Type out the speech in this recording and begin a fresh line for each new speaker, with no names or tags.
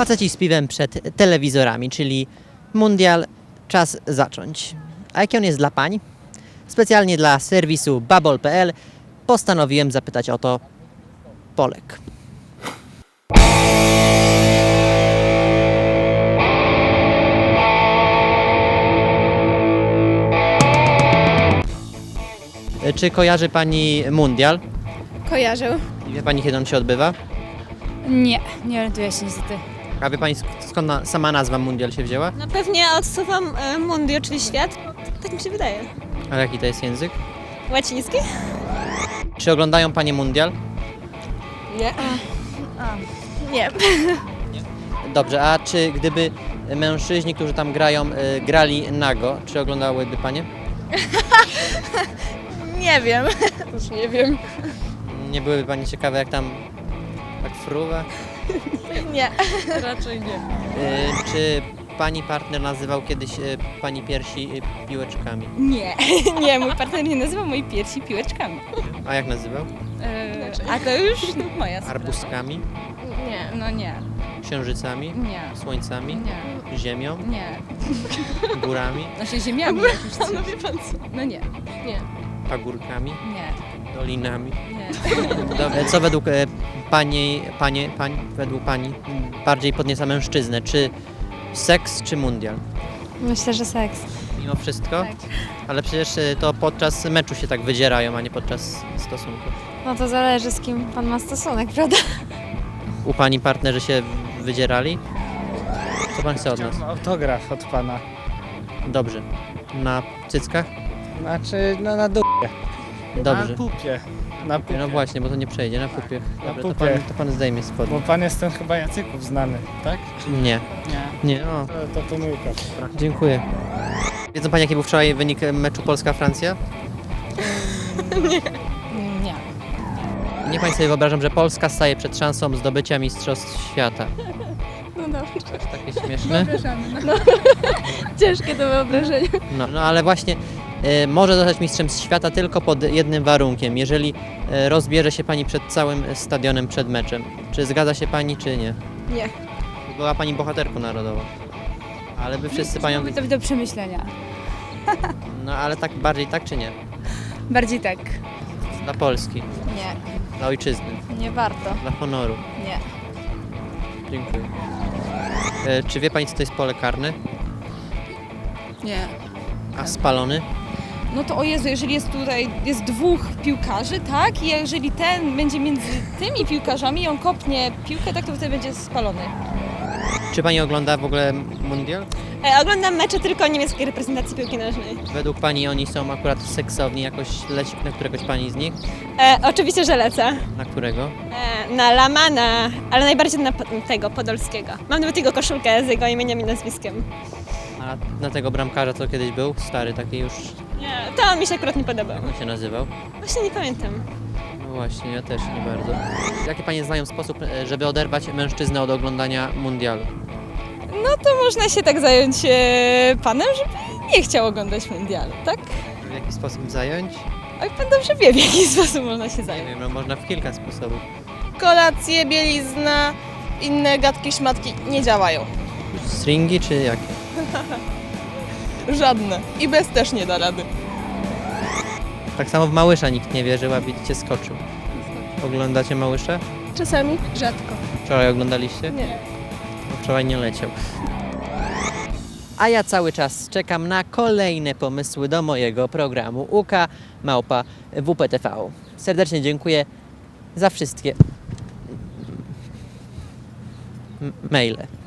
Faceci z piwem przed telewizorami, czyli mundial, czas zacząć. A jaki on jest dla pań? Specjalnie dla serwisu babol.pl postanowiłem zapytać o to Polek. Czy kojarzy pani mundial?
Kojarzę.
I wie pani, kiedy on się odbywa?
Nie orientuję się niestety.
A wie pani, skąd sama nazwa mundial się wzięła?
No pewnie odsuwam mundio, czyli świat. Tak mi się wydaje.
A jaki to jest język?
Łaciński?
Czy oglądają panie mundial?
Nie. Nie.
Dobrze, a czy gdyby mężczyźni, którzy tam grają, grali nago, czy oglądałyby panie?
Nie wiem. Już nie wiem.
Nie byłyby pani ciekawe, jak tam tak fruwa?
Nie. Raczej nie.
Czy pani partner nazywał kiedyś pani piersi piłeczkami?
Nie, nie, mój partner nie nazywa mojej piersi piłeczkami.
A jak nazywał?
A to już moja sprawa.
Arbustkami?
Nie.
No nie,
Księżycami?
nie,
Słońcami?
nie,
Ziemią?
nie.
Górami?
Znaczy ziemiami jak już coś.
No wie pan co?
No nie,
Nie.
Pagórkami?
nie,
Dolinami?
nie.
Dobrze, co według według pani bardziej podnieca mężczyznę? Czy seks, czy mundial?
Myślę, że seks.
Mimo wszystko?
Tak.
Ale przecież to podczas meczu się tak wydzierają, a nie podczas stosunku.
No to zależy, z kim pan ma stosunek, prawda?
U pani partnerzy się wydzierali? Co pan chce od nas?
Chciałbym autograf od pana.
Dobrze. Na cyckach?
Znaczy na dupie.
Dobrze.
Na pupie. Na pupie.
No właśnie, bo to nie przejdzie, na pupie.
Na
Dobra,
pupie.
to pan zdejmie spodnie.
Bo pan jest ten chyba Jacyków znany, tak?
Nie,
Nie.
nie, o,
To pomyłka.
dziękuję. Wiedzą pani, jaki był wczoraj wynik meczu Polska-Francja?
Nie.
Niech pani sobie wyobrażam, że Polska staje przed szansą zdobycia Mistrzostw Świata.
No dobrze.
Aż takie śmieszne?
Ciężkie do wyobrażenia.
No ale właśnie może zostać mistrzem świata tylko pod jednym warunkiem, jeżeli rozbierze się pani przed całym stadionem przed meczem. Czy zgadza się pani, czy nie?
Nie.
Była pani bohaterką narodową. Ale by wszyscy panią...
Mamy to do przemyślenia.
No ale tak bardziej tak, czy nie?
Bardziej tak.
Dla Polski,
Nie,
dla ojczyzny,
nie warto.
dla honoru.
Nie.
Dziękuję. Czy wie pani, co to jest pole karne?
Nie.
A spalony?
No to o Jezu, jeżeli jest dwóch piłkarzy, tak? I jeżeli ten będzie między tymi piłkarzami i on kopnie piłkę, tak to wtedy będzie spalony.
Czy pani ogląda w ogóle mundial?
Oglądam mecze tylko niemieckiej reprezentacji piłki nożnej.
Według pani oni są akurat seksowni, jakoś leci na któregoś pani z nich?
Oczywiście, że lecę.
Na którego?
Na Lamana, ale najbardziej na tego Podolskiego. Mam nawet jego koszulkę z jego imieniem i nazwiskiem.
A na tego bramkarza, co kiedyś był? Stary, taki już...
Nie, to on mi się akurat nie podobał.
Jak on się nazywał?
Właśnie nie pamiętam.
No właśnie, ja też nie bardzo. Jaki pani znają sposób, żeby oderwać mężczyznę od oglądania mundialu?
No to można się tak zająć panem, żeby nie chciał oglądać mundialu, tak?
W jaki sposób zająć?
Oj, pan dobrze wie, w jaki sposób można się
Nie
zająć.
wiem, no można w kilka sposobów.
Kolacje, bielizna, inne gadki, szmatki nie działają.
Stringi czy jakie?
Żadne. I bez też nie da rady.
Tak samo w Małysza nikt nie wierzył, a widzicie, skoczył. Oglądacie Małysza?
Czasami? Rzadko.
Wczoraj oglądaliście?
Nie.
Bo wczoraj nie leciał. A ja cały czas czekam na kolejne pomysły do mojego programu UK@WPTV. Serdecznie dziękuję za wszystkie maile.